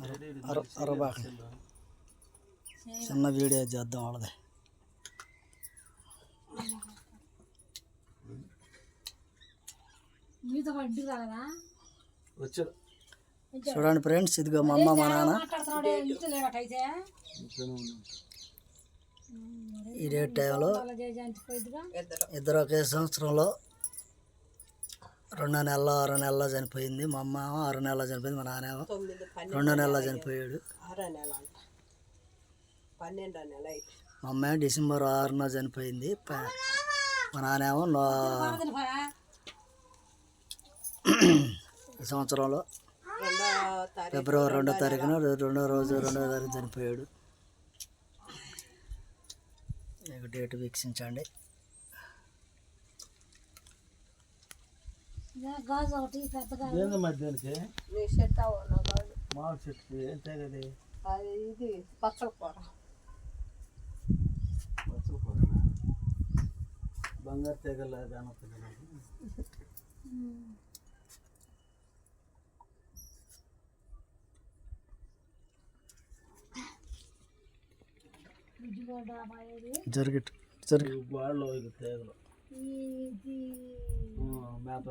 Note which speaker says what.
Speaker 1: అరబాక చిన్న వీడియో చేద్దాం వాళ్ళది. చూడండి ఫ్రెండ్స్, ఇదిగో మా అమ్మ మా నాన్న ఇదే టైంలో ఇద్దరు ఒకే సంవత్సరంలో 2 నెలలు 6 నెలల్లో చనిపోయింది. మా అమ్మ 6 నెలల్లో చనిపోయింది, మా నాన్న 2 నెలల్లో చనిపోయాడు. మా అమ్మ డిసెంబర్ 6న చనిపోయింది. మా నాన్నేమో ఈ సంవత్సరంలో ఫిబ్రవరి 2వ తారీఖున 2వ తారీఖు చనిపోయాడు. మీకు డేట్ వీక్షించండి. మధ్యానికి మామిడి చెట్టుకి ఏం తేగది? ఇది పచ్చల కూర. బంగారు తెగల జరిగిట్ బాడలో తేగలు మేత